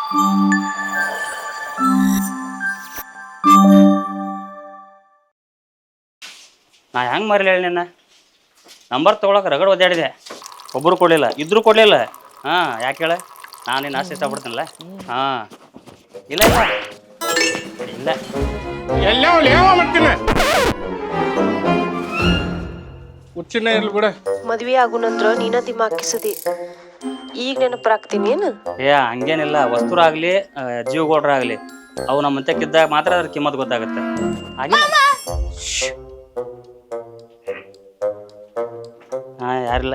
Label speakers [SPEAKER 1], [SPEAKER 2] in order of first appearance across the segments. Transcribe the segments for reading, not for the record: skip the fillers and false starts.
[SPEAKER 1] ನಾ ಹೆಂಗೆ ಮರಲಿ ಹೇಳಿ ನಿನ್ನ ನಂಬರ್ ತೊಗೊಳಕ್ಕೆ ರಗಡ್ ಒದ್ದಾಡಿದೆ, ಒಬ್ಬರು ಕೊಡಲಿಲ್ಲ, ಇದ್ರೂ ಕೊಡಲಿಲ್ಲ. ಹಾಂ, ಯಾಕೆ ಹೇಳ? ನಾನು ನಿನ್ನ ಆಸ್ತಿ ಇಷ್ಟಪಡ್ತೀನಲ್ಲ. ಹಾಂ, ಇಲ್ಲ ಇಲ್ಲ ಇಲ್ಲ,
[SPEAKER 2] ಎಲ್ಲ ಮಾಡ್ತೀನಿ. ಹುಚ್ಚಿನ ಇರ್ಲಿ ಬಿಡ.
[SPEAKER 3] ಮದ್ವೆ ಆಗು ನಂತರ ನೀನ ದಿಮಾಕಿಸದಿ, ಈಗ ನೆನಪರಾಗ್ತೀನಿ ಏನು?
[SPEAKER 1] ಹಂಗೇನಿಲ್ಲ. ವಸ್ತುರಾಗಲಿ ಜೀವಗೌಡ್ರಾಗಲಿ ಅವು ನಮ್ಮ ಮಂತಕ್ಕಿದ್ದಾಗ ಮಾತ್ರ ಅದ್ರ ಕಿಮ್ಮತ್ ಗೊತ್ತಾಗುತ್ತೆ. ಹಾಗೆ ಹಾಂ, ಯಾರಿಲ್ಲ.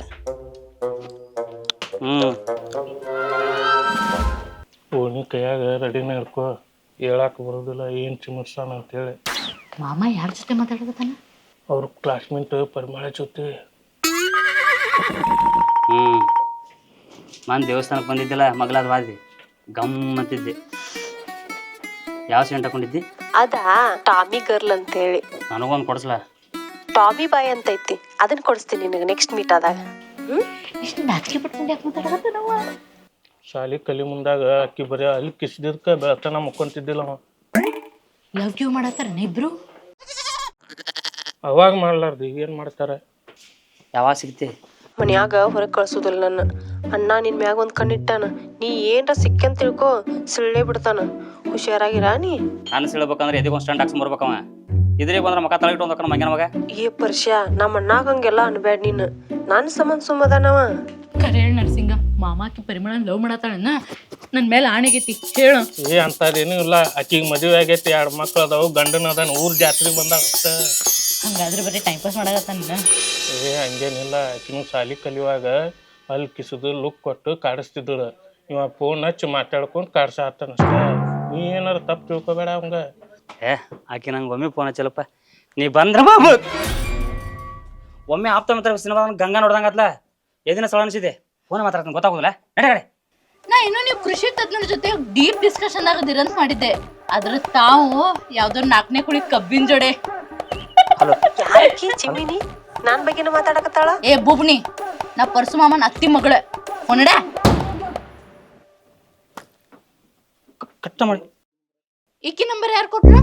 [SPEAKER 2] ಓನಿ ಕೈಯಾಗ ರೆಡಿನ ಇರ್ಕೋ, ಹೇಳಾಕ ಬರೋದಿಲ್ಲ ಏನು ಚಿಮರ್ಸಾನ ಅಂತೇಳಿ.
[SPEAKER 4] ಮಾಮ ಯಾರ ಜೊತೆ ಮಾತಾಡಕತ್ತಾನ?
[SPEAKER 2] ಅವ್ರ ಕ್ಲಾಸ್ಮೇಟ್ ಪರಿಮಳ ಜೊತೆ.
[SPEAKER 1] ನಾನು ದೇವಸ್ಥಾನಕ್ಕೆ ಬಂದಿದ್ದಿಲ್ಲ, ಮಗಳಾದ ವಾದಿ ಗಮ್ಮಂತಿದ್ದೆ. ಯಾವ ಸೆಂಟ್ ಹಾಕೊಂಡಿದ್ದಿ?
[SPEAKER 3] ಅದಾ ಟಾಮಿ ಗರ್ಲ್ ಅಂತ ಹೇಳಿ.
[SPEAKER 1] ನನಗೊಂದು ಕೊಡಿಸ್ಲಾ?
[SPEAKER 3] ಟಾಮಿ ಬಾಯ್ ಅಂತ ಐತಿ, ಅದನ್ನ ಕೊಡಿಸ್ತೀನಿ ನಿನಗೆ ನೆಕ್ಸ್ಟ್ ಮೀಟ್ ಆದಾಗ.
[SPEAKER 4] ಇಷ್ಟು ನಾಚಿಕೆ ಪಟ್ಕೊಂಡು ಯಾಕೆ ಮಾತಾಡಕತ್ತ ನಾವು?
[SPEAKER 2] ಶಾಲಿ ಕಲಿ ಮುಂದಾಗ ಅಕ್ಕಿ ಬರೀ ಅಲ್ಲಿ ಕಿಸ್ದಿದ್ಕ ಬೆಳತನ ಮುಕ್ಕೊಂತಿದ್ದಿಲ್ಲ ಅವ.
[SPEAKER 4] ಲವ್ ಯು ಮಾಡತ್ತಾರ ಇಬ್ರು?
[SPEAKER 2] ಅವಾಗ ಮಾಡ್ಲಾರ್ದು ಈಗ ಏನು ಮಾಡ್ತಾರೆ?
[SPEAKER 1] ಯಾವಾಗ ಸಿಗ್ತಿ?
[SPEAKER 3] ಮನ್ಯಾಗ ಹೊರಗೆ ಕಳ್ಸೋದಿಲ್ಲ ನನ್ನ ಅಣ್ಣ. ನಿನ್ ಮ್ಯಾಗ ಒಂದು ಕಣ್ಣಿಟ್ಟಾನ, ನೀ ಏನ್ರ ಸಿಕ್ಕಂತ ತಿಳ್ಕೊ ಸಿಳ್ಳೆ ಬಿಡ್ತಾನ. ಹುಷಾರಾಗಿರ ನೀ.
[SPEAKER 1] ನಾನು ಸಿಳ್ಬೇಕಂದ್ರೆ ಎದಕ್ಕೊಂದು ಸ್ಟ್ಯಾಂಡ್ ಹಾಕ್ಸಿ ಬರ್ಬೇಕವ. ಇದ್ರಿಗೆ ಬಂದ್ರೆ ಮಕ ತಳಗಿಟ್ಟು ಒಂದಕ್ಕ ಮಂಗನ ಮಗ.
[SPEAKER 3] ಏ ಪರ್ಷ, ನಮ್ಮ ಅಣ್ಣಾಗ ಹಂಗೆಲ್ಲ ಅನ್ಬ್ಯಾಡ ನೀನು. ನಾನು ಸಂಬಂಧ ಸುಮ್ಮದಾನವ.
[SPEAKER 4] ಕರೆ ಹೇಳಿ ನರ್ಸಿಂಗ, ಮಾಮಾಕಿ ಪರಿಮಳ ಲವ್ ಮಾಡತ್ತಾಳನ್ನ ನನ್ನ ಮೇಲೆ ಆಣೆಗೈತಿ ಹೇಳು.
[SPEAKER 2] ಅಂತಾರೇನು ಇಲ್ಲ, ಆಕಿಗೆ ಮದುವೆ ಆಗೈತಿ, 2 ಮಕ್ಳು ಅದಾವು, ಗಂಡನ ಅದಾನ, ಊರ್ ಜಾತ್ರೆಗೆ ಬಂದಾಗ ಅಷ್ಟ.
[SPEAKER 4] ಹಂಗಾದ್ರೆ ಬರೀ ಟೈಮ್ ಪಾಸ್ ಮಾಡಕತ್ತಾನ.
[SPEAKER 2] ಹಂಗೇನಿಲ್ಲ, ಆಕಿನೂ ಶಾಲಿ ಕಲಿಯುವಾಗ ಅಲ್ಲಿ ಕಿಸುದು ಲುಕ್ ಕೊಟ್ಟು ಕಾಡಿಸ್ತಿದ್ದಳು. ಇವ ಫೋನ್ ಹಚ್ಚಿ ಮಾತಾಡ್ಕೊಂಡು ಕಾಡ್ಸಾತಾನ ಅಷ್ಟ. ನೀ ಏನಾರ ತಪ್ಪು ತಿಳ್ಕೊಬೇಡ ಅವಂಗ.
[SPEAKER 1] ಆಕೆ ನಂಗೆ ಒಮ್ಮೆ ಫೋನ್ ಹಚ್ಚಲಪ್ಪ, ನೀ ಬಂದ್ರ ಬಾಬು. ಒಮ್ಮೆ ಆಪ್ತ ಮಾತ್ರ ಸಿನಿಮಾ ಗಂಗಾ ನೋಡ್ದಂಗತ್ಲ, ಎದಿನ ಸಲ ಅನಿಸಿದೆ. ಫೋನ್ ಮಾತಾಡ್ತಾನೆ ಗೊತ್ತಾಗೋದಿಲ್ಲ. ನಡೆ
[SPEAKER 4] ನಾ ಇನ್ನೂ ನೀವು ಕೃಷಿ ತಜ್ಞರ ಜೊತೆ ಡೀಪ್ ಡಿಸ್ಕಷನ್ ಆಗದಿರಂತ ಮಾಡಿದ್ದೆ, ಅದ್ರ ತಾವು ಯಾವ್ದೋ 4ನೇ ಕುಳಿ ಕಬ್ಬಿನ ಜೋಡೆ.
[SPEAKER 1] ಹಲೋ,
[SPEAKER 3] ಯಾರಕ್ಕಿ ಚಿಮ್ಮಿನಿ ನಾನ್ ಬಗ್ಗೆನ ಮಾತಾಡಕತ್ತಾಳ?
[SPEAKER 4] ಏ ಬುಬ್ನಿ, ನಾ ಪರಸು ಮಾಮನ ಅತ್ತಿ ಮಗಳ ಹೊನಡ.
[SPEAKER 1] ಕಟ್ಟ ಮಾಡಿ.
[SPEAKER 4] ಈಕಿ ನಂಬರ್ ಯಾರು ಕೊಟ್ರು?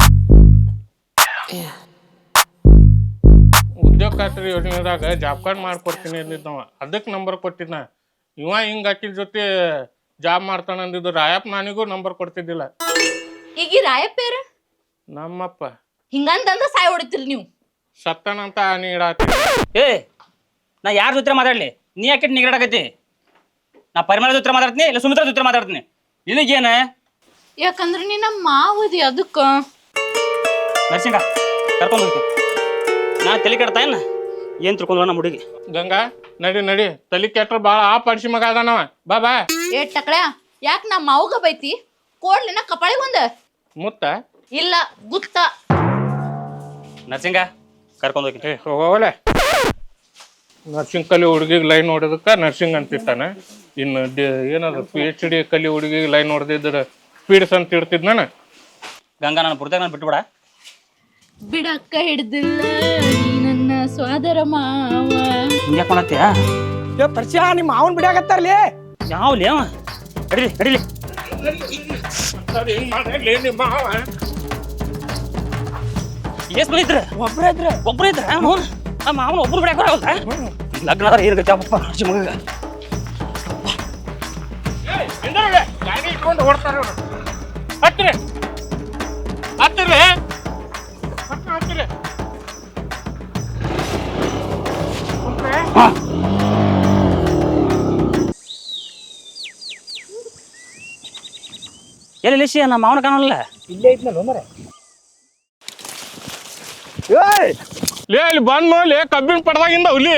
[SPEAKER 2] ಉದ್ಯೋಗ ಖಾತ್ರಿ ಯೋಜನೆದಾಗ ಜಾಬ್ ಕಾರ್ಡ್ ಮಾಡ್ಕೊಡ್ತೀನಿ ಅಂದಿದ್ದವ, ಅದಕ್ಕೆ ನಂಬರ್ ಕೊಟ್ಟಿದ್ನ. ಇವ ಹಿಂಗ ಆಕಿನ ಜೊತೆ ಜಾಬ್ ಮಾಡ್ತಾನ ಅಂದಿದ್ದು. ರಾಯಪ್ಪ ನಾನಿಗೂ ನಂಬರ್ ಕೊಡ್ತಿದ್ದಿಲ್ಲ.
[SPEAKER 4] ಈಗ ರಾಯಪ್ಪ ಯಾರು?
[SPEAKER 2] ನಮ್ಮಪ್ಪ.
[SPEAKER 4] ಹಿಂಗಂತಂದ ಸಾಯ್ ಹೊಡಿತಿರಿ ನೀವು.
[SPEAKER 2] ಸತ್ತನಂತ ಆನಿ ಇಡಾತಿ.
[SPEAKER 1] ನಾ ಯಾರ ಜೊತೆ ಮಾತಾಡ್ಲಿ? ನೀ ಯಾಕೆ ನಿಗಡಾಕತಿ? ನಾ ಪರಿಮಳ ಜೊತೆ ಮಾತಾಡ್ತೀನಿ, ಇಲ್ಲ ಸುಮಿತ್ರಾ ಜೊತೆ ಮಾತಾಡ್ತೀನಿ. ನಿನಗೇನ?
[SPEAKER 4] ಯಾಕಂದ್ರೆ ನೀ ನಮ್ಮ ಮಾವದಿ, ಅದಕ್ಕ.
[SPEAKER 1] ನರ್ಸಿಂಗ ಕರ್ಕೊಂಡು ಹೋಗ್ತೀನಿ. ನಾ ತಲೆ ಕೆಡ್ತಾ ಏನ್ ತಿಳ್ಕೊಂಡ್ವ ನಮ್ಮ ಹುಡುಗಿ.
[SPEAKER 2] ಗಂಗಾ ನಡಿ ನಡಿ, ತಲೆ ಕೆಟ್ರ ಬಾಳ ಆ ಪಡಿಸಿ ಮಗ ಅದಾನವ. ಬಾ
[SPEAKER 4] ಏ ಟಕಳ, ಯಾಕೆ ನಮ್ಮ ಮಾವಗ ಬೈತಿ? ಕೋಡ್ಲಿನ ಕಪಾಳಿಗೆ ಒಂದ
[SPEAKER 2] ಮುತ್ತ
[SPEAKER 4] ಇಲ್ಲ ಗುತ್ತ.
[SPEAKER 1] ನರ್ಸಿಂಗ ಕರ್ಕೊಂಡು ಹೋಗ್ತೀನಿ.
[SPEAKER 2] ಹೋಗಲೆ. ನರ್ಸಿಂಗ್ ಕಲಿ ಹುಡುಗಿಗೆ ಲೈನ್ ನೋಡೋದಕ್ಕ ನರ್ಸಿಂಗ್ ಅಂತಿರ್ತಾನೆ. ಇನ್ನು ಏನದು PhD ಕಲಿ ಹುಡುಗಿಗೆ ಲೈನ್ ನೋಡ್ದಿದ್ರ ಸ್ಪೀಡ್ಸ್ ಅಂತ ಇಡ್ತಿದ್ ನಾನು.
[SPEAKER 1] ಗಂಗಾ, ನಾನು ಪುರ್ತಕ್ಕೆ ನಾನು ಬಿಟ್ಬಿಡ.
[SPEAKER 4] ಬಿಡಕ್ಕ ಹಿಡ್ದಿಲ್ಲ ನನ್ನ ಸ್ವಾದರ ಮಾವ.
[SPEAKER 1] ಹಿಂಗ್ಯಾಕ್ ಮಾಡತ್ತೀಯ?
[SPEAKER 5] ಪರಿಚಯ ನಿಮ್ಮ ಮಾವನ್ ಬಿಡಾಕತ್ತಾರಲಿ.
[SPEAKER 1] ಯಾವ್ಲಿ ಅವ? ನಡಿಲಿ ನಡಿಲಿ. ಎಷ್ಟ್ ಮಂದಿ ಇದ್ರ? ಒಬ್ರ ಇದ್ರ. ಮಾವನ ಒಬ್ರು ಬಿಡಾಕ ಬರವಲ್ದ? ಲಗ್ನ ಆದ್ರೆ ಏನು ಗಚ್ಚಪ್ಪ ಮಗ.
[SPEAKER 2] ಗಾಡಿ ಇಟ್ಕೊಂಡು ಓಡ್ತಾರ ಹತ್ತಿರ ಹತ್ತಿರ ಹತ್ತಿರ.
[SPEAKER 1] ಎಲ್ಲಿ ಲಿಶಿ ನಮ್ಮ ಮಾವನ ಕಾಣಲ್ಲ?
[SPEAKER 5] ಇಲ್ಲೇ ಐತ್ನಲ್ಲ ಮರೆ.
[SPEAKER 2] ಲೇ ಇಲ್ಲಿ ಬಂದ್ ನೋಡಿ ಕಬ್ಬಿನ ಪಡ್ದಾಗಿಂದ ಹುಲಿ.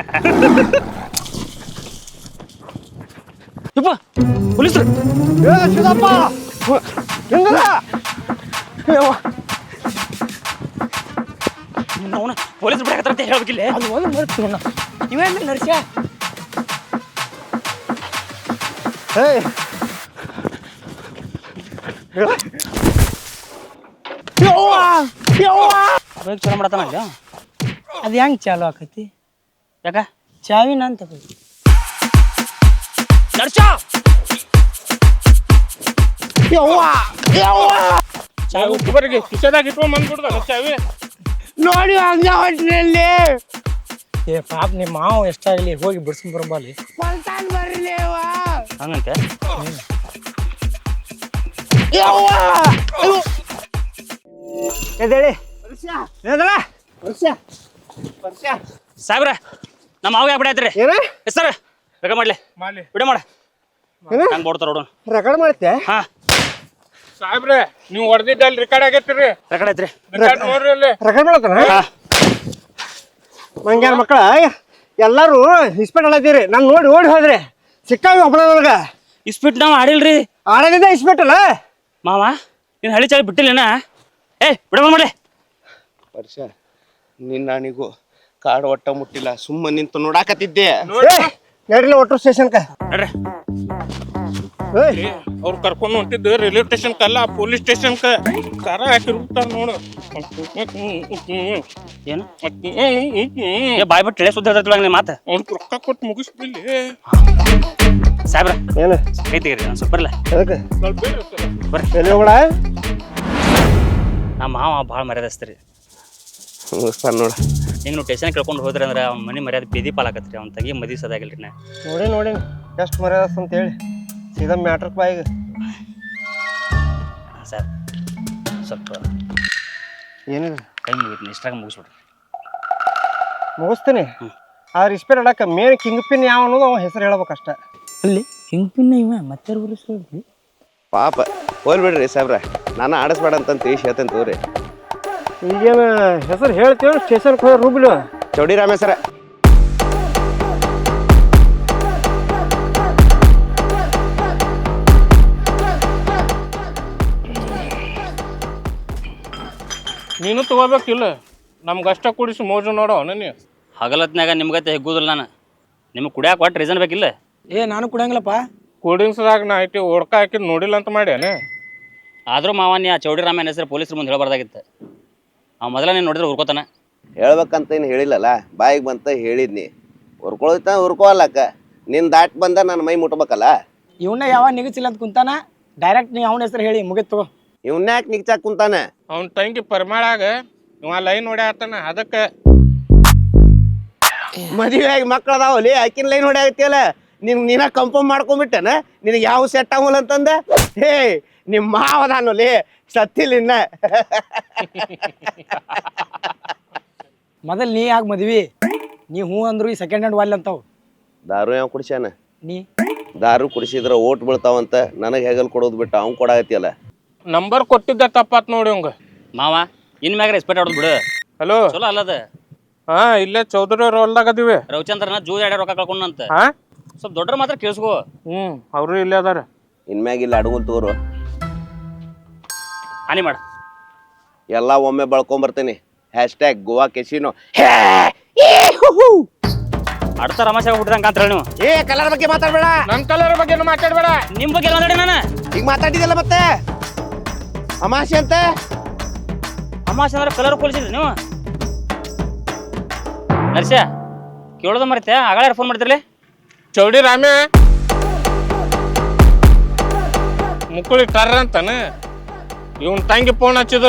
[SPEAKER 1] ಯಪ್ಪ ಪೊಲೀಸ್ರು.
[SPEAKER 5] ಶಿವಪ್ಪ ಹೆಂಗದ?
[SPEAKER 1] ಅವನ ಪೊಲೀಸ್ ಬಿಡಾಕತ್ತಾರ ಅಂತ ಹೇಳ್ಬೇಕಿಲ್ಲ.
[SPEAKER 5] ಅದು ಒಂದು ಮರ್ತೀವಣ್ಣ. ಇವೇನು ನರ್ಸ್ಯ? ಏಯ್
[SPEAKER 1] ಬೇಗ ಚಲೋ ಮಾಡತ್ತಾನ ಇಲ್ಲ?
[SPEAKER 5] ಅದು ಹೆಂಗೆ ಚಾಲು ಆಕೈತಿ?
[SPEAKER 1] ಯಾಕ?
[SPEAKER 5] ಚಾವಿನ ಅಂತ
[SPEAKER 1] ನರ್ಸ
[SPEAKER 2] ಚಾವಿ ಉಪ್ಪರಿಗೆ ಕಿಶೆದಾಗ ಇಟ್ಕೊಂಡ್ ಬಂದ್ಬಿಡ್ದ ಚಾವಿ
[SPEAKER 5] ನೋಡಿ ಹಂಗ ಹೊಂಟ್ರಿ ಅಲ್ಲಿ. ಏ ಪಾಪ ನಿಮ್ಮ ಮಾವ ಎಷ್ಟಾಗಲಿ ಹೋಗಿ ಬಿಡ್ಸ್ಕೊಂಡ್ ಬರಂಬಲ್ಲಿ.
[SPEAKER 1] ಹಂಗಂತೆ
[SPEAKER 5] ಎದ್ದೇಳಿ
[SPEAKER 1] ಸಾಹೇಬ್ರ ನಮ್ಮ ಮಾವ ಯಾಕೆ ಬಿಡಾಯ್ತ್ರಿ
[SPEAKER 5] ಏನ
[SPEAKER 1] ಸರ್ ಬೇಗ ಮಾಡ್ಲಿ
[SPEAKER 2] ಮಾಡ್ಲಿ
[SPEAKER 1] ಬಿಡ ಮಾಡ ಹಂಗೆ ಬೋಡ್ತಾರ ನೋಡೋಣ
[SPEAKER 5] ರೆಕಾರ್ಡ್ ಮಾಡ್ತೆ.
[SPEAKER 1] ಹಾ
[SPEAKER 2] ಸಾಹೇಬ್ರೆ ನೀವು ಹೊಡೆದಿದ್ದಲ್ಲಿ ರೆಕಾರ್ಡ್ ಆಗೈತಿರಿ
[SPEAKER 1] ರೆಕಾರ್ಡ್ ಐತ್ರಿ
[SPEAKER 2] ರೆಕಾರ್ಡ್ ನೋಡ್ರಿ ಅಲ್ಲಿ
[SPEAKER 5] ರೆಕಾರ್ಡ್ ಮಾಡತ್ತಾನ
[SPEAKER 1] ಹಾ
[SPEAKER 5] ಮಂಗ್ಯಾರ ಮಕ್ಕಳ ಎಲ್ಲಾರು ಇಸ್ಪೆಟ್ ಅಲ್ಲದಿರಿ ನಾನು ನೋಡಿ ಓಡಿ ಹೋದ್ರಿ ಸಿಕ್ಕಾವಿ ಒಬ್ಬನ ನನಗ
[SPEAKER 1] ಇಸ್ಪಿಟ್ ನಾವು ಆಡಿಲ್ರಿ
[SPEAKER 5] ಆಡೋದಿದ್ದ ಇಸ್ಪೆಟ್ ಅಲ್ಲ
[SPEAKER 1] ಮಾವ ನೀನು ಹಳಿ ಚಾವಿ ಬಿಟ್ಟಿಲ್ಲೇನ ಬಿಡ ಮಾಡ್ಲಿ
[SPEAKER 6] ವರ್ಷ ನಿನ್ನಾಣಿಗೂ ಕಾಡು ಒಟ್ಟ ಮುಟ್ಟಿಲ್ಲ ಸುಮ್ಮ ನಿಂತು ನೋಡಾಕತ್ತಿದ್ದೆ.
[SPEAKER 5] ನಡಿಲ್ಲ ಒಟ್ಟು ಸ್ಟೇಷನ್ಕ.
[SPEAKER 1] ನೋಡ್ರಿ
[SPEAKER 2] ಅವ್ರು ಕರ್ಕೊಂಡು ಹೊಂಟಿದ್ದು ರೈಲ್ವೆ ಸ್ಟೇಷನ್ ಕಲ್ಲ ಪೊಲೀಸ್ ಸ್ಟೇಷನ್ ಕಾರ ಹಾಕಿರ್ತಾರ ನೋಡು
[SPEAKER 1] ಏನು ಬಾಯ್ ಬಿಟ್ಟು ಇಳೆ ಸುದ್ದಿ ಹೇಳ್ತಿಲ್ಲ ನಿಮ್ಮ ಮಾತು
[SPEAKER 2] ಅವ್ನು ರೊಕ್ಕ ಕೊಟ್ಟು ಮುಗಿಸ್ಬಿಲ್ಲಿ
[SPEAKER 1] ಸಾಹೇಬ್ರ
[SPEAKER 5] ಏನು
[SPEAKER 1] ಕೈ ತೆಗೀರಿ ನಾನು ಸ್ವಲ್ಪ ಬರಲ್ಲ
[SPEAKER 5] ಅದಕ್ಕೆ
[SPEAKER 2] ಸ್ವಲ್ಪ ಬೇರೆ ಇರ್ತದೆ.
[SPEAKER 1] ಬರ್ರಿ
[SPEAKER 5] ಎಲ್ಲಿ ಹೋಗೋಣ?
[SPEAKER 1] ನಮ್ಮ ಮಾವ ಭಾಳ ಮರ್ಯಾದಸ್ತ್ರಿ
[SPEAKER 6] ಮುಗಿಸ್ತಾನ ನೋಡ.
[SPEAKER 1] ಹಿಂಗೆ ನೀವು ಟೇಷನ್ ಕೇಳ್ಕೊಂಡು ಹೋದ್ರಿ ಅಂದ್ರೆ ಅವ್ನ ಮನೆ ಮರ್ಯಾದೆ ಬೀದಿ ಪಾಲಾಕತ್ರಿ ಅವ್ನ ತಗಿ ಮದಿ ಸದಾಗಿಲ್ರಿ ನಾ
[SPEAKER 5] ನೋಡಿ ಎಷ್ಟು ಮರ್ಯಾದ ಅಂತ ಹೇಳಿ ಸೀದಾ ಮ್ಯಾಟ್ರಕ್ ಬಾಯಿಗೆ.
[SPEAKER 1] ಸರ್ ಸ್ವಲ್ಪ
[SPEAKER 5] ಏನಿದೆ
[SPEAKER 1] ಕೈ ಮುಗಿತೀನಿ ಇಷ್ಟ್ರಾಗ ಮುಗಿಸ್ಬಿಡ್ರಿ
[SPEAKER 5] ಮುಗಿಸ್ತೀನಿ. ಆದ್ರೆ ಇಸ್ಪೆಟ್ ಆಡಕ್ಕೆ ಮೇನ್ ಕಿಂಗ್ ಪಿನ್ ಯಾವ ಅನ್ನೋದು ಅವ ಹೆಸರು ಹೇಳ್ಬೇಕಷ್ಟ. ಅಲ್ಲಿ ಕಿಂಗ್ ಪಿನ್ ಇವ ಮತ್ತೆ ಬರಿಸ್ರಿ
[SPEAKER 6] ಪಾಪ ಹೋಲ್ ಬಿಡ್ರಿ ಸಾಬ್ರ, ನಾನು ಆಡಿಸ್ಬೇಡ ಅಂತ ತಿಳಿಸಿ ಹೇಳ್ತೇನೆ ತೋರಿ.
[SPEAKER 5] ಈಗೇನು ಹೆಸರು ಹೇಳ್ತೀವಿ ಸ್ಟೇಷನ್ಗೆ ಹೋಗಿ ರೂಬ್ಲು
[SPEAKER 6] ಚೌಡಿ ರಾಮೇಶ್ವರ.
[SPEAKER 2] ನೀನು ತಗೋಬೇಕಿಲ್ಲ ನಮ್ಗೆ ಅಷ್ಟ ಕುಡಿಸಿ ಮೋಜು ನೋಡೋ ನೀನು
[SPEAKER 1] ಹಗಲತ್ನಾಗ ನಿಮ್ಗತ್ತೆ ಹೆಗ್ಗುದಿಲ್ಲ ನಾನು ನಿಮ್ಗೆ ಕುಡಿಯಾಕ ಒಟ್ಟು ರೀಸನ್ ಬೇಕಿಲ್ಲ.
[SPEAKER 5] ನಾನು ಕುಡಿಯಂಗಿಲ್ಲಪ್ಪ.
[SPEAKER 2] ಕೂಡಿಂಗ್ಸ್ದಾಗ ನಾ ಐತಿ ಹೊಡ್ಕ ಹಾಕಿದ್ ನೋಡಿಲ್ಲ ಅಂತ ಮಾಡ್ಯಾನೆ.
[SPEAKER 1] ಆದರೂ ಮಾವನ್ಯ ಚೌಡಿ ರಾಮಯ್ಯನ ಹೆಸರು ಪೊಲೀಸ್ರ ಮುಂದೆ ಹೇಳಬಾರ್ದಾಗಿತ್ತು. ಅವ ಮೊದಲ ನೀನು ನೋಡಿದ್ರೆ ಹುರ್ಕೋತಾನ.
[SPEAKER 6] ಹೇಳ್ಬೇಕಂತ ಏನು ಹೇಳಿಲ್ಲಲ್ಲ, ಬಾಯಿಗೆ ಬಂತ ಹೇಳಿದ್ನಿ. ಹುರ್ಕೊಳ್ತಾ ಹುರ್ಕೋಲ್ಲಕ್ಕ, ನಿನ್ನ ದಾಟ್ ಬಂದ ನನ್ನ ಮೈ ಮುಟ್ಬೇಕಲ್ಲ.
[SPEAKER 5] ಇವನ್ನ ಯಾವ ನಿಗಚಿಲ್ಲ ಅಂತ ಕುಂತಾನ ಡೈರೆಕ್ಟ್ ನೀವು ಅವನ ಹೆಸರು ಹೇಳಿ ಮುಗಿತು.
[SPEAKER 6] ಇವ್ನ್ಯಾಕೆ ನಿಗ್ಚಾಕ್ ಕುಂತಾನೆ?
[SPEAKER 2] ಅವ್ನ ತಂಗಿ ಪರಿಮಾಳಾಗ ಇವ ಲೈನ್ ಹೊಡ್ಯಾತಾನ. ಅದಕ್ಕೆ
[SPEAKER 6] ಮದುವೆ ಆಗಿ ಮಕ್ಳು ಅದಾವಲ್ಲಿ ಆಕಿನ ಲೈನ್ ಹೊಡ್ಯಾಗತ್ತಿಯಲ್ಲ, ನೀನ ಕಂಫರ್ಮ್ ಮಾಡ್ಕೊಂಡ್ಬಿಟ್ಟೆನ ನಿನಗೆ ಯಾವ ಸೆಟ್ ಆಗಲ್ಲ ಅಂತಂದ. ಹೇ ನಿಮ್ಮ ಮಾವದಾನಲ್ಲಿ ಸತ್ತಿಲ್ಲ ಇನ್ನ.
[SPEAKER 5] ಮೊದಲ್ ನೀ ಯಾಕೆ ಮದ್ವಿ ನೀ ಹೂ ಅಂದ್ರು ಈ ಸೆಕೆಂಡ್ ಹ್ಯಾಂಡ್ ವಾಲ್ ಅಂತಾವ್.
[SPEAKER 6] ದಾರು ಯಾವ ಕುಡಿಸ್ಯಾನ?
[SPEAKER 5] ನೀ
[SPEAKER 6] ದಾರು ಕುಡಿಸಿದ್ರ ಓಟ್ ಬೀಳ್ತಾವಂತ ನನಗೆ ಹೆಗಲ್ ಕೊಡೋದು ಬಿಟ್ಟು ಅವ್ನು ಕೊಡಾಗತ್ತಿಯಲ್ಲ.
[SPEAKER 2] ನಂಬರ್ ಕೊಟ್ಟಿದ್ದ ತಪ್ಪಾತ್ ನೋಡಿ ಅವಂಗ.
[SPEAKER 1] ಮಾವ ಇನ್ ಮ್ಯಾಗ ರೆಸ್ಪೆಕ್ಟ್ ಆಡೋದು ಬಿಡು.
[SPEAKER 2] ಹಲೋ
[SPEAKER 1] ಚಲೋ ಅಲ್ಲದ
[SPEAKER 2] ಹಾ ಇಲ್ಲೇ ಚೌಧರಿ ಅವ್ರ ಹೊಲ್ದಾಗ ಅದೀವಿ.
[SPEAKER 1] ರವಿಚಂದ್ರನ ಜೂ ಎಡೆ ರೊಕ್ಕ ಕಳ್ಕೊಂಡಂತ
[SPEAKER 2] ಹಾ
[SPEAKER 1] ಸ್ವಲ್ಪ ದೊಡ್ಡ ಮಾತ್ರ ಕೇಳಿಸ್ಕೋ.
[SPEAKER 2] ಅವರು ಇಲ್ಲೇ ಅದಾರ.
[SPEAKER 6] ಇನ್ಮ್ಯಾಗ ಇಲ್ಲಿ ಅಡಗುಲ್ ತೋರು
[SPEAKER 1] ಹಾನಿ ಮಾಡ
[SPEAKER 6] ಎಲ್ಲ ಒಮ್ಮೆ ಬಳ್ಕೊಂಬರ್ತೀನಿ. Hashtag Goa casino.
[SPEAKER 1] ಅಡ್ತ ರಮಾಶೆ ಆಗ್ಬಿಟ್ಟಿದಂಗ ಅಂತ ಹೇಳಿ ನೀವು.
[SPEAKER 6] ಏ ಕಲರ್ ಬಗ್ಗೆ ಮಾತಾಡ್ಬೇಡ.
[SPEAKER 2] ನನ್ ಕಲರ್ ಬಗ್ಗೆ ಮಾತಾಡ್ಬೇಡ.
[SPEAKER 1] ನಿಮ್ಮ ಬಗ್ಗೆ ಮಾತಾಡಿ ನಾನು
[SPEAKER 6] ಈಗ ಮಾತಾಡಿದಲ್ಲ ಮತ್ತೆ ಅಮಾಶೆ ಅಂತ.
[SPEAKER 1] ಅಮಾಶೆ ಅಂದ್ರೆ ಕಲರ್ ಕೊಲಿಸಿದ್ರಿ ನೀವು. ನರ್ಸ್ಯ ಕೇಳೋದು ಮರಿತೆ ಆಗಳ ಫೋನ್ ಮಾಡ್ತಿರ್ಲಿ.
[SPEAKER 2] ಚೌಡಿ ರಾಮೆ ಮುಕ್ಕಳಿ ಟರ್ರ ಅಂತಾನ. ಇವನ್ ತಂಗಿ ಫೋನ್ ಹಚ್ಚಿದ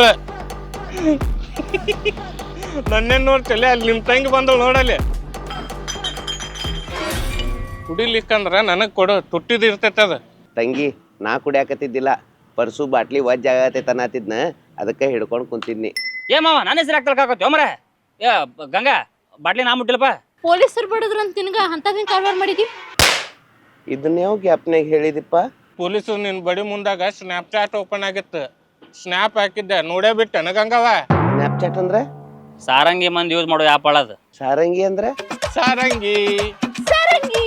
[SPEAKER 2] ನನ್ನೇನ್ ನೋಡ್ತಿಲ್ಲ, ಅಲ್ಲಿ ನಿಮ್ ತಂಗಿ ಬಂದಳು ನೋಡಲ್ಲಿ. ಕುಡಿಲಿಕ್ಕಂದ್ರ ನನಗ್ ಕೊಡು, ತುಟ್ಟಿದ್ ಇರ್ತೈತೆ ಅದ.
[SPEAKER 6] ತಂಗಿ ನಾ ಕುಡಿಯಾಕತ್ತಿದ್ದಿಲ್ಲ, ಪರ್ಸು ಬಾಟ್ಲಿ ವಜ್ಜ ಆಗತೈತೆ ಅನ್ನತ್ತಿದ್ನ, ಅದಕ್ಕೆ ಹಿಡ್ಕೊಂಡು ಕುಂತಿದ್ನಿ.
[SPEAKER 1] ಏ ಮಾವ ನಾನು ಹೆಸರು ಆಗ್ತಲ್ಕಾಕತ್ತಿ ಮರ. ಏ ಗಂಗಾ ಬಾಟ್ಲಿ ನಾ ಮುಟ್ಟಿಲ್ಲಪ್ಪ.
[SPEAKER 4] ಪೊಲೀಸರು ಬಡದ್ರ ಅಂತ ನಿನಗ ಅಂತದೇನ್ ಕಾರವಾರ ಮಾಡಿದಿ?
[SPEAKER 6] ಇದನ್ನ ಯಾವ ಗ್ಯಾಪ್ನಾಗ ಹೇಳಿದಿಪ್ಪ?
[SPEAKER 2] ಪೊಲೀಸರು ನಿನ್ ಬಡಿ ಮುಂದಾಗ ಸ್ನ್ಯಾಪ್ ಚಾಟ್ ಓಪನ್ ಆಗಿತ್ತು. ಸ್ನ್ಯಾಪ್ ಹಾಕಿದ್ದೆ ನೋಡೇ ಬಿಟ್ಟೆ ಗಂಗವ.
[SPEAKER 6] ಸ್ನ್ಯಾಪ್ಚಾಟ್ ಅಂದ್ರೆ
[SPEAKER 1] ಸಾರಂಗಿ ಮಂದಿ ಯೂಸ್ ಮಾಡೋ ಆ್ಯಪ್ ಅಳದು.
[SPEAKER 6] ಸಾರಂಗಿ ಅಂದ್ರೆ
[SPEAKER 2] ಸಾರಂಗಿ
[SPEAKER 4] ಸಾರಂಗಿ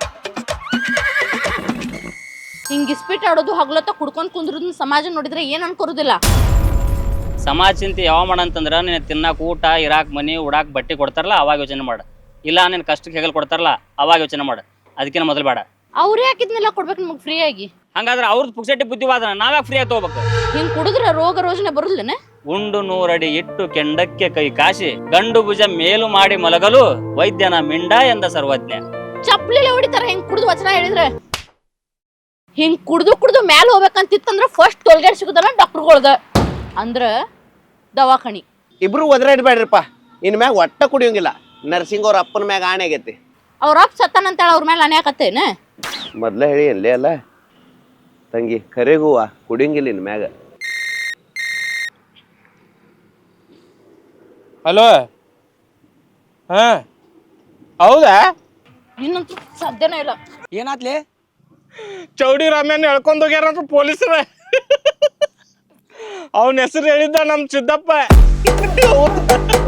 [SPEAKER 4] ಹಿಂಗ್ ಇಸ್ಪಿಟ್ ಆಡೋದು ಹಗ್ಲತ್ತ ಕುಡ್ಕೊಂಡ್ ಕುಂದ್ರದ್ ಸಮಾಜ ನೋಡಿದ್ರೆ ಏನ್ ಅನ್ಕೊರುದಿಲ್ಲ.
[SPEAKER 1] ಸಮಾಜ ಚಿಂತೆ ಯಾವ ಮಾಡಂತಂದ್ರ ನೀನು ತಿನ್ನಾಕ ಊಟ, ಇರಾಕ್ ಮನಿ, ಉಡಾಕ್ ಬಟ್ಟೆ ಕೊಡ್ತಾರಲ್ಲ ಅವಾಗ ಯೋಚನೆ ಮಾಡು. ಇಲ್ಲ ನೀನು ಕಷ್ಟಕ್ಕೆ ಹೆಗಲ್ ಕೊಡ್ತಾರಲ್ಲ ಅವಾಗ ಯೋಚನೆ ಮಾಡು. ಅದಕ್ಕಿಂತ ಮೊದಲು ಬೇಡ.
[SPEAKER 4] ಅವ್ರೇ ಹಾಕಿದ್ನೆಲ್ಲ ಕೊಡ್ಬೇಕು ನಮಗ್ ಫ್ರೀ ಆಗಿ.
[SPEAKER 1] ಹಂಗಾದ್ರೆ ಅವ್ರದ್ದು ಪುಕ್ಸಟ್ಟಿ ಬುದ್ಧಿವಾದನ ನಾವ್ಯಾಕೆ ಫ್ರೀ ಆಗಿ ತಗೋಬೇಕು?
[SPEAKER 4] ಹಿಂಗ್ ಕುಡಿದ್ರ ರೋಗ ರೋಜನೆ ಬರುದಿಲ್ಲನೆ?
[SPEAKER 1] ಉಂಡು 100 ಅಡಿ ಇಟ್ಟು ಕೆಂಡಕ್ಕೆ ಕೈ ಕಾಶಿ ಗಂಡು ಭುಜ ಮೇಲು ಮಾಡಿ ಮಲಗಲು ವೈದ್ಯನ ಮಿಂಡ ಎಂದ ಸರ್ವಜ್ಞ.
[SPEAKER 4] ಚಪ್ಲಿಲೆ ಹೊಡಿತಾರ ಹಿಂಗ್ ಕುಡಿದು ವಚನ ಹೇಳಿದ್ರೆ. ಹಿಂಗ್ ಕುಡ್ದು ಮ್ಯಾಲ ಹೋಗ್ಬೇಕಂತಿತ್ತಂದ್ರ ಫಸ್ಟ್ ಟೋಲ್ಗೇಟ್ ಸಿಗುದಲ್ಲ ಡಾಕ್ಟರ್ಗಳ್ದ ಅಂದ್ರ ದವಾಖಾನಿ.
[SPEAKER 6] ಇಬ್ರು ಒದರಾಡ್ಬೇಡ್ರಿಪ್ಪ, ಇನ್ ಮ್ಯಾಗ ಒಟ್ಟ ಕುಡಿಯೋಂಗಿಲ್ಲ. ನರ್ಸಿಂಗ್ ಅವ್ರ ಅಪ್ಪನ ಮ್ಯಾಗ ಆಣೆ ಆಗೈತಿ.
[SPEAKER 4] ಅವ್ರ ಅಪ್ಪ ಸತ್ತಾನಂತೇಳ ಅವ್ರ ಮೇಲೆ ಅನ್ಯಾಕತ್ತೇನ?
[SPEAKER 6] ಮೊದ್ಲ ಹೇಳಿ ಅಲ್ಲೇ ಅಲ್ಲ ತಂಗಿ, ಕರೆಗುವ ಕುಡಿಯಂಗಿಲ್ಲ ಇನ್ ಮ್ಯಾಗ.
[SPEAKER 2] ಹಲೋ, ಹಾ ಹೌದಾ?
[SPEAKER 4] ಇನ್ನಂತೂ ಸಾಧ್ಯನೇ ಇಲ್ಲ.
[SPEAKER 5] ಏನಾತ್ಲಿ?
[SPEAKER 2] ಚೌಡಿ ರಾಮ್ಯಾನ ಎಳ್ಕೊಂಡ್ ಹೋಗ್ಯಾರಂತ ಪೊಲೀಸರ. ಅವನ ಹೆಸರು ಹೇಳಿದ್ದ ನಮ್ ಸಿದ್ದಪ್ಪ.